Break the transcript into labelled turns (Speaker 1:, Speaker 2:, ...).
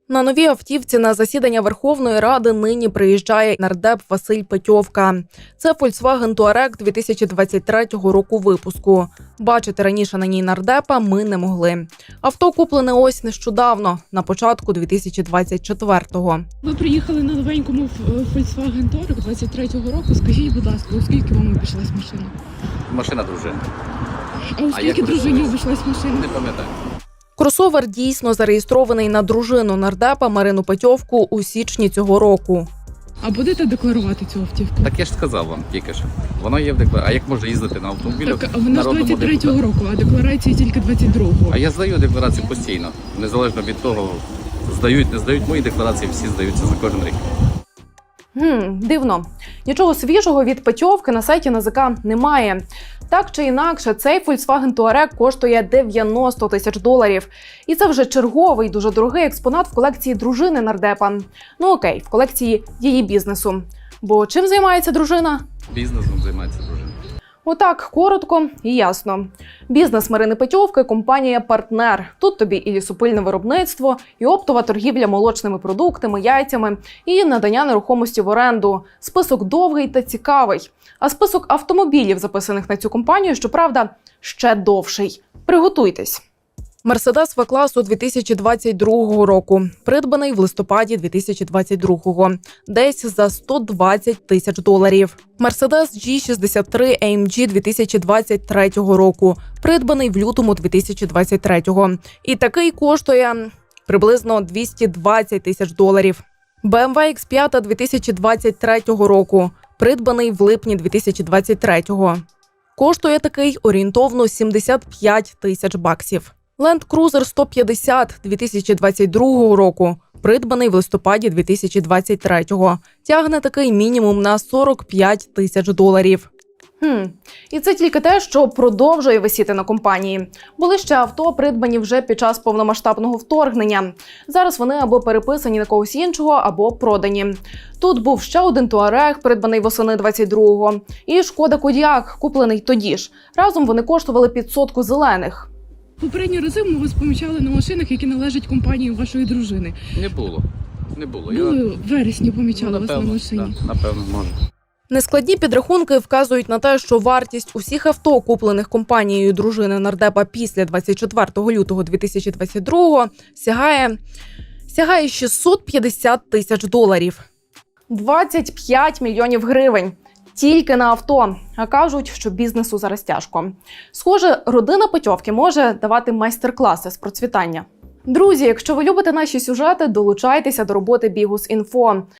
Speaker 1: На новій автівці на засідання Верховної Ради нині приїжджає нардеп Василь Петьовка. Це Volkswagen Touareg 2023 року випуску. Бачити раніше на ній нардепа ми не могли. Авто куплене ось нещодавно, на початку 2024-го.
Speaker 2: Ви приїхали на новенькому Volkswagen Touareg 23-го року. Скажіть, будь ласка, у скільки вам обійшлась машина?
Speaker 3: Машина дружини.
Speaker 2: А у скільки дружині обійшлась машина?
Speaker 3: Не пам'ятаю.
Speaker 1: Кросовер дійсно зареєстрований на дружину нардепа Марину Петьовку у січні цього року.
Speaker 2: А будете декларувати цю автівку?
Speaker 3: Так я ж сказав вам тільки що. Воно є в декларації. А як можна їздити на автомобілі?
Speaker 2: Так, а вона ж 23-го року, а декларації тільки 22-го.
Speaker 3: А я здаю декларацію постійно. Незалежно від того, здають, не здають. Мої декларації всі здаються за кожен рік.
Speaker 1: Дивно. Нічого свіжого від Петьовки на сайті НАЗК немає. Так чи інакше, цей Volkswagen Touareg коштує $90 тисяч. І це вже черговий дуже дорогий експонат в колекції дружини нардепа. Ну окей, в колекції її бізнесу. Бо чим займається дружина?
Speaker 3: Бізнесом займається дружина.
Speaker 1: Отак, коротко і ясно. Бізнес Марини Петьовки – компанія «Партнер». Тут тобі і лісопильне виробництво, і оптова торгівля молочними продуктами, яйцями, і надання нерухомості в оренду. Список довгий та цікавий. А список автомобілів, записаних на цю компанію, щоправда, ще довший. Приготуйтесь. Мерседес В-класу 2022 року, придбаний в листопаді 2022-го, десь за $120 тисяч. Мерседес G63 AMG 2023 року, придбаний в лютому 2023-го. І такий коштує приблизно $220 тисяч. BMW X5 2023 року, придбаний в липні 2023-го. Коштує такий орієнтовно $75 тисяч. Land Cruiser 150 2022 року, придбаний в листопаді 2023-го. Тягне такий мінімум на $45 тисяч. І це тільки те, що продовжує висіти на компанії. Були ще авто, придбані вже під час повномасштабного вторгнення. Зараз вони або переписані на когось іншого, або продані. Тут був ще один Touareg, придбаний восени 22-го, і Шкода Кодіак, куплений тоді ж. Разом вони коштували під сотку зелених.
Speaker 2: Попередні рази ми вас помічали на машинах, які належать компанії вашої дружини.
Speaker 3: Не було.
Speaker 2: Були в вересні помічали вас на машині.
Speaker 3: Да, напевно, може.
Speaker 1: Нескладні підрахунки вказують на те, що вартість усіх авто, куплених компанією дружини нардепа після 24 лютого 2022-го, сягає $650 тисяч. 25 мільйонів гривень. Тільки на авто. А кажуть, що бізнесу зараз тяжко. Схоже, родина Петьовки може давати майстер-класи з процвітання. Друзі, якщо ви любите наші сюжети, долучайтеся до роботи Bihus.info.